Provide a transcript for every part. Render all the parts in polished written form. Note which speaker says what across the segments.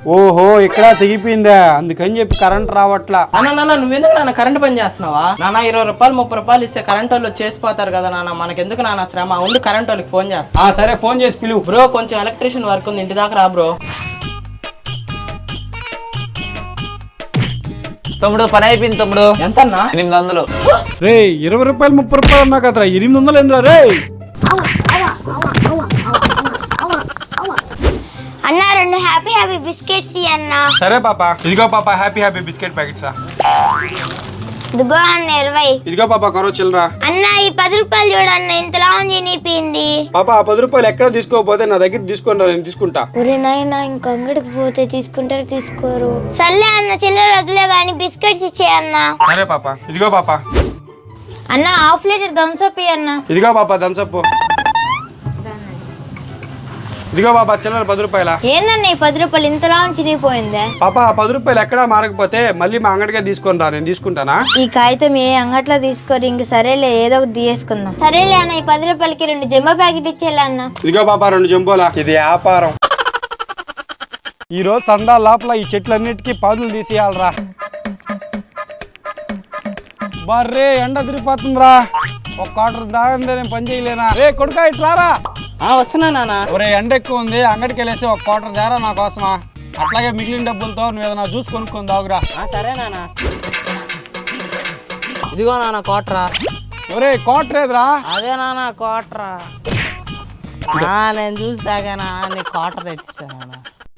Speaker 1: ఓహో ఇక్కడ తెగిపోయిందా, అందుకని చెప్పి కరెంట్ రావట్లా.
Speaker 2: నాన్న నువ్వెందుకు నాన్న కరెంట్ పని చేస్తున్నావా నాన్న? 20 రూపాయలు 30 రూపాయలు ఇస్తే కరెంట్ వాళ్ళు చేసిపోతారు కదా నాన్న, మనకెందుకు నాన్న శ్రమ? ఉండి కరెంట్ వాళ్ళకి ఫోన్ చేస్తా.
Speaker 1: సరే ఫోన్ చేసి పిలువు.
Speaker 2: బ్రో కొంచెం ఎలక్ట్రీషియన్ వర్క్ ఉంది, ఇంటి దాకా రా బ్రో.
Speaker 3: తమ్ముడు పని అయిపోయింది తమ్ముడు.
Speaker 2: ఎంతన్నా?
Speaker 3: 800.
Speaker 1: రే 20 రూపాయలు 30 రూపాయలు అన్నా కదరా, 800 ఏంద్రా రే?
Speaker 4: అన్న 2 హ్యాపీ హ్యాపీ బిస్కెట్స్ అన్న.
Speaker 1: సరే పాప, ఇదిగో పాప హ్యాపీ హ్యాపీ బిస్కెట్ ప్యాకెట్సా.
Speaker 4: ఇదిగో అన్న 20.
Speaker 1: ఇదిగో పాప కరో చిల్లరా.
Speaker 4: అన్న ఈ 10 రూపాయలు చూడన్న, ఇంతలా చినిపోయింది.
Speaker 1: పాప ఆ 10 రూపాయలు ఎక్కడ తీసుకోకపోతే నా దగ్గర తీసుకుంటా, నేను తీసుకుంటా.
Speaker 4: ఒరే నాయనా, ఇంక అంగడికి పోతే తీసుకుంటారు తీసుకోరు. సర్లే అన్న, చిల్లర వదిలే గాని బిస్కెట్స్ ఇచ్చేయన్న.
Speaker 1: సరే పాప. ఇదిగో పాప.
Speaker 4: అన్న హాఫ్ లీటర్ థమ్స్ అప్ అన్న.
Speaker 1: ఇదిగో పాప థమ్స్ అప్. ఇదిగో పాప చిల్లర 10 రూపాయల.
Speaker 4: ఏందన్న ఈ 10 రూపాయలు ఇంతలా చినిపోయిందే?
Speaker 1: పాప ఆ 10 రూపాయలు ఎక్కడా మారకపోతే మళ్ళీ మా అంగడికే తీసుకొని రా, నేను తీసుకుంటానా?
Speaker 5: ఈ కాగితం ఏ అంగట్లో తీసుకోరు, ఇంక సరేలే ఏదో ఒకటి తీసుకుందాం.
Speaker 4: సరేలే అన్న, ఈ 10 రూపాయలకి 2 జంబో ప్యాకెట్ ఇచ్చేయాలి అన్న.
Speaker 1: ఇదిగో పాప 2 జంబోలా. ఇది వ్యాపారం. ఈ రోజు సందా లోపల ఈ చెట్లన్నిటికీ పాదులు తీసేయాలరా. బర్రే ఎండ తిరిగిపోతుందిరా, ఒక క్వార్టర్ దాగందే నేను పని చేయలేనా? రే కొడుకా ఇట్లారా.
Speaker 2: వస్తున్నా నాన్న.
Speaker 1: ఒరే ఎండ ఎక్కువ ఉంది, అంగడికి వెళ్ళేసి ఒక క్వార్టర్ దారా నా కోసమా. అట్లాగే మిగిలిన డబ్బులతో నువ్వు ఏదైనా జ్యూస్ కొనుక్కొని దాగురా.
Speaker 2: సరే నాన్న. ఇదిగో నాన్న కోట్రా.
Speaker 1: ఒరే క్వార్టర్ ఏదిరా?
Speaker 2: అదే నాన్న కోట్రా. నేను చూసి తాగానా, నీ కోటర్ తెచ్చిచ్చా నాన్న.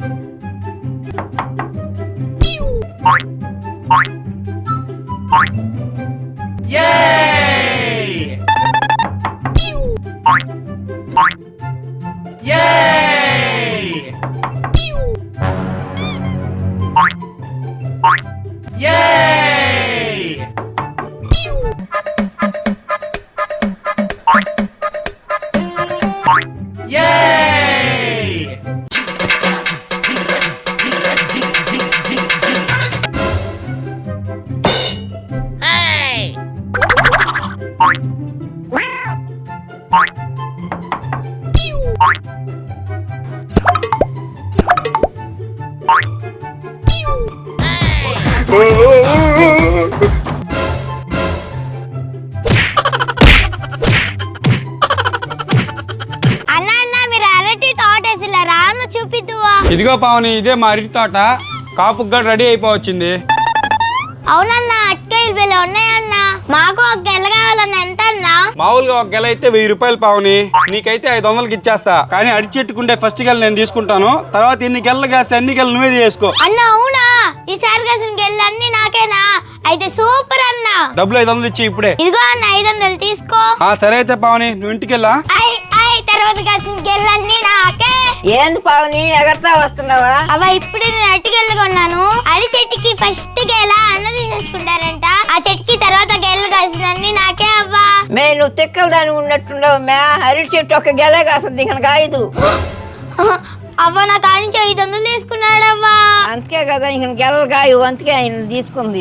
Speaker 1: ఇదిగో పావని, ఇదే మా అరటి తోట. కాపుకి కూడా రెడీ అయిపోవచ్చింది.
Speaker 4: అవునన్నా, అట్కాయలు బిల్లు ఉన్నాయన్నా. మాకు ఒక గెల కావాలన్న. ఎంత అన్నా?
Speaker 1: మామూలుగా ఒక గెల అయితే 1000 రూపాయలు పావని, నీకైతే 500కి ఇచ్చేస్తా. కానీ అరటి చెట్టుకుంటే ఫస్ట్ గెల నేను తీసుకుంటాను, తర్వాత ఎన్ని గెలలు కాస్తే అన్ని గెలలు నువ్వే చేసుకో.
Speaker 4: అన్న అవునా? ఈసారి కాసిన గెలలు అన్ని నాకేనా? అయితే సూపర్ అన్న.
Speaker 1: డబ్బులు 500 ఇచ్చి ఇప్పుడే.
Speaker 4: ఇదిగో అన్న 500 తీసుకో.
Speaker 1: సరే అయితే పావని, నువ్వు ఇంటికి వెళ్ళా.
Speaker 4: తర్వాత కాసిన గెలన్నీ నాకే.
Speaker 5: ఏంది పావని ఎగరతా వస్తున్నావా?
Speaker 4: అవ్వ ఇప్పుడే నేను అరటిగెల్లు కొన్నాను. అరటి చెట్టుకి ఫస్ట్ గెల అన్న తీసేసుకుంటారంట. ఆ చెట్టుకి తర్వాత గెలలు కాసినన్ని నాకే అవ్వా.
Speaker 5: నువ్వు తిక్కలు దాని ఉన్నట్టున్నావు మే. అరటి చెట్టు ఒక గెలే కాస్తుంది, ఇంకా కాయదు.
Speaker 4: అవ్వ నా కానించి 500 తీసుకున్నాడవ్వా.
Speaker 5: అందుకే కదా ఇంక గెలలు కాయు, అందుకే ఆయన తీసుకుంది.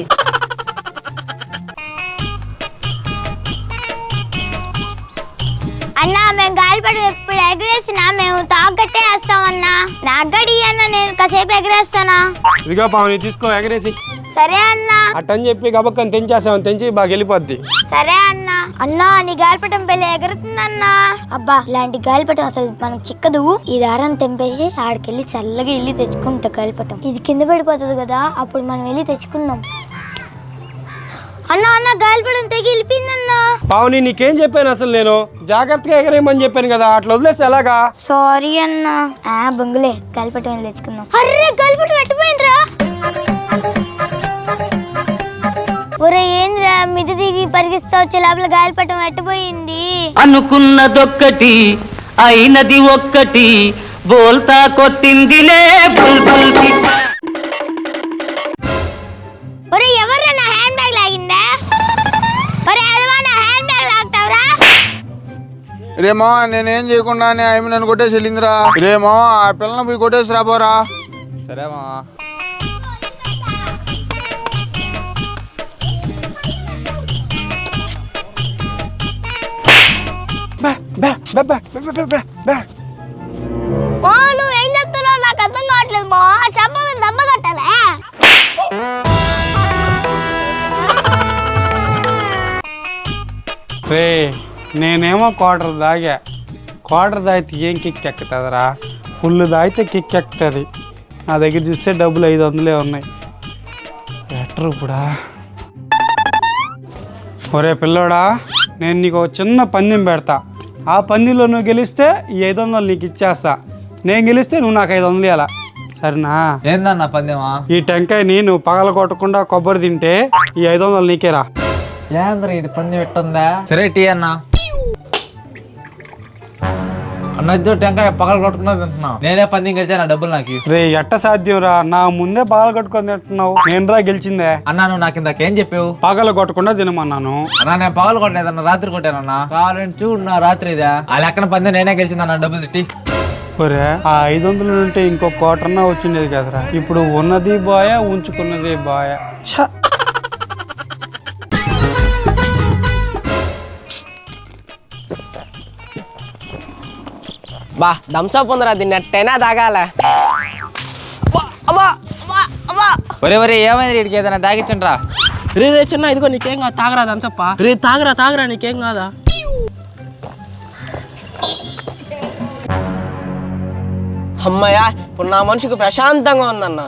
Speaker 4: అన్నా మేము గాలిపటం ఎప్పుడు ఎగరేసినా మేము తాగట్టే వేస్తామన్నా. నాకు గడి అన్న, నేను కాసేపు ఎగరేస్తానా?
Speaker 1: ఇదిగో పావని తీసుకో, ఎగరేసి.
Speaker 4: సరే అన్నా.
Speaker 1: అట్టని చెప్పి గబక్కని తెంచేసామని తెంచి బాగా వెళ్ళిపోద్ది.
Speaker 4: సరే అన్నా. అన్నా నీ గాలిపటం పెళ్ళి ఎగురుతుందన్నా. అబ్బా ఇలాంటి గాలిపటం అసలు మనకు చిక్కదు. ఈ దారాన్ని తెంపేసి ఆడికెళ్ళి చల్లగా వెళ్ళి తెచ్చుకుంటా గాలిపటం. ఇది కింద పడిపోతుంది కదా, అప్పుడు మనం వెళ్ళి తెచ్చుకుందాం. అన్నా అన్న గాలిపటం తెగి వెళ్ళిపోయిందన్నా.
Speaker 1: పావని నీకేం చెప్పాను అసలు? నేను జాగ్రత్తగా ఎగరేయమని చెప్పాను కదా, అట్లా వదిలేసి ఎలాగా?
Speaker 4: సారీ అన్నా. బొంగులే, గాలిపటం వెళ్ళి తెచ్చుకుందాం. అర్రే గాలిపటం ఎట్టిపోయిందిరా. ఒరే ఏంద్రా మిది దిగి పరిగిస్తా వచ్చే లోపల గాలిపటం ఎట్టిపోయింది.
Speaker 6: అనుకున్నదొక్కటి అయినది ఒక్కటి, బోల్తా కొట్టిందిలే బుల్బుల్ పిట్ట.
Speaker 4: ఒరే ఎవర్రా నా హ్యాండ్ బ్యాగ్ లాగిందా? ఒరే అదవా నా హ్యాండ్ బ్యాగ్ లాగుతావురా?
Speaker 7: రేమో నేనేం చేయకుండా ఆమె నన్ను కొట్టేసి వెళ్ళిందిరా. రేమో ఆ పిల్లని పోయి కొట్టేసి రాబోరా.
Speaker 3: సరేమా.
Speaker 4: నువ్వు ఏం చెప్తున్నావు నాకు అర్థం కావట్లేదు. మా చెప్ప
Speaker 1: రే నేనేమో క్వార్టర్ తాగితే ఏం కిక్ ఎక్కుతుందిరా, ఫుల్ తాగితే కిక్ ఎక్కుతుంది. నా దగ్గర చూస్తే డబ్బులు 500 ఉన్నాయి. ఎట్రు ఇప్పుడా? ఒరే పిల్లోడా, నేను నీకు ఒక చిన్న పందెం పెడతా. ఆ పందెంలో నువ్వు గెలిస్తే ఈ 500 నీకు ఇచ్చేస్తా. నేను గెలిస్తే నువ్వు నాకు 500 ఇవ్వాలా, సరేనా?
Speaker 3: ఏందన్న పందెమా?
Speaker 1: ఈ టెంకాయని నువ్వు పగల కొట్టకుండా కొబ్బరి తింటే ఈ 500 నీకేరా.
Speaker 3: ఏంద్ర ఇది పందెం ఎట్టుందా? సరే టీ అన్న. అన్న ఇద్దరు టెంకాయ పగల కొట్టుకున్నది తింటున్నావు, నేనే పందెం గెలిచా, నా డబ్బులు నాకు.
Speaker 1: రే ఎట్ట సాధ్యం రా, నా ముందే పగల కొట్టుకొని తింటున్నావు. నేను రా గెలిచిందే.
Speaker 3: అన్నా నువ్వు నాకు ఇందాకేం చెప్పావు?
Speaker 1: పగల కొట్టకుండా తినమన్నాను.
Speaker 3: అన్నా నేను పగలు కొట్టలేదన్న, రాత్రి కొట్టానన్నా. కావాలని చూడు నా రాత్రి ఇదా. ఆ లెక్కన పందెం నేనే గెలిచిందన్న, డబ్బులు తిట్టి.
Speaker 1: ఒరే ఆ 500 ఉంటే ఇంకో కోటన్నా వచ్చిండేది కదరా. ఇప్పుడు ఉన్నది బాయ, ఉంచుకున్నది బాయ.
Speaker 2: బా థమ్స్అప్ ఉందిరా, దీన్ని ఎట్టైనా తాగాల.
Speaker 3: ఒరే ఒరే ఏమైంది వీడికి, ఏదైనా తాగించండి.
Speaker 2: రే చిన్న ఇదిగో నీకేం కాదు, తాగరా థమ్స్అప్. రే తాగరా నీకేం కాదా? అమ్మయ్యా, ఇప్పుడు నా మనిషికి ప్రశాంతంగా ఉందన్న.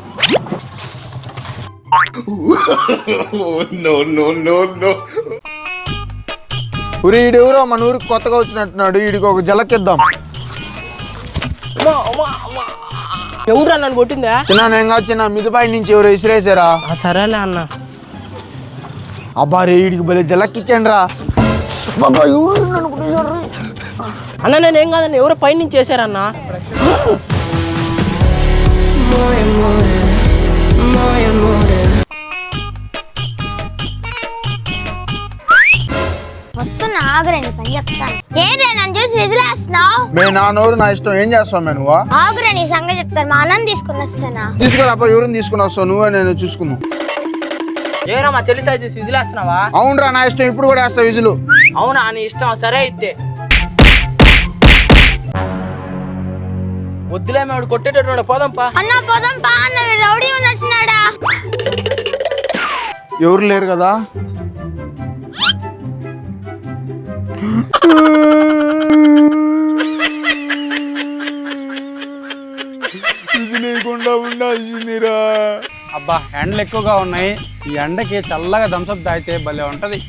Speaker 7: ఊరి ఈడెవరో మన ఊరికి కొత్తగా వచ్చినట్టున్నాడు, వీడికి ఒక జలకిద్దాం.
Speaker 2: ఎవరు నన్ను కొట్టిందా?
Speaker 7: చిన్న నేను కాదు చిన్న, మిదిపై నుంచి ఎవరు విసిరేసారా?
Speaker 2: సరేలే అన్న.
Speaker 7: అబ్బా రే వీడికి భలే జలక్కిచ్చాను రా.
Speaker 2: అన్న నేనేం కాదన్న, ఎవరో పైన నుంచి చేశారన్న.
Speaker 4: వస్తున్నా ఆగురండి, పని చెప్తాను. ఏంటి నన్ను చూసి విజిలేస్తున్నావు?
Speaker 7: మే నా నోరు నా ఇష్టం, ఏం చేస్తావు మే నువ్వు?
Speaker 4: ఆగురా, నీ సంగతి చెప్తాను. మా అన్నం తీసుకుని వస్తానా?
Speaker 7: తీసుకురా అబ్బా, ఎవరిని తీసుకుని వస్తావు? నువ్వే నేను చూసుకున్నావు.
Speaker 2: ఏరా మా చెల్లి సైజు చూసి విజిలేస్తున్నావా?
Speaker 7: అవునరా నా ఇష్టం, ఇప్పుడు కూడా వేస్తా విజులు.
Speaker 2: అవునా నీ ఇష్టం, సరే అయితే. వద్దులే మేము కొట్టేటట్టు పోదాంపా.
Speaker 4: అన్న పోదాం పా అన్న, రౌడీ ఉన్నట్టున్నాడా?
Speaker 7: ఎవరు లేరు కదా? లేకుండా ఉండాల్సిందిరా.
Speaker 1: అబ్బా ఎండలు ఎక్కువగా ఉన్నాయి, ఈ ఎండకి చల్లగా థమ్స్అప్ తాగితే భలే ఉంటది.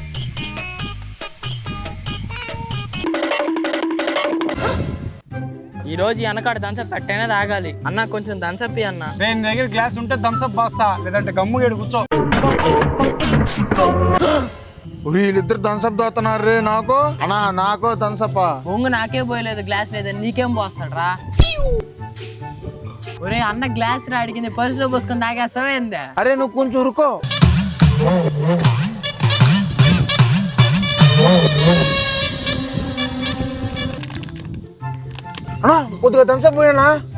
Speaker 2: ఈ రోజు వెనకాడ థమ్స్అప్ పెట్టైనా తాగాలి. అన్న కొంచెం థమ్స్అప్ అన్న.
Speaker 1: నేను దగ్గర గ్లాస్ ఉంటే థమ్స్అప్ బాస్తా, లేదంటే గమ్ము గేడు కూర్చో.
Speaker 7: వీళ్ళిద్దరు థమ్స్అప్ తాగుతున్నారు రే. నాకు అన్నా నాకు థమ్స్అప్.
Speaker 2: బొంగు నాకే పోయలేదు, గ్లాస్ లేదని నీకేం పోస్తాడు రా. ఒరే అన్న గ్లాస్ రా అడిగింది, పర్సులో పోసుకొని తాగేస్తావా ఏంది?
Speaker 7: అరే నువ్వు కొంచెం ఉరుకో. అన్నా కొద్దిగా థమ్స్అప్ పోయానా?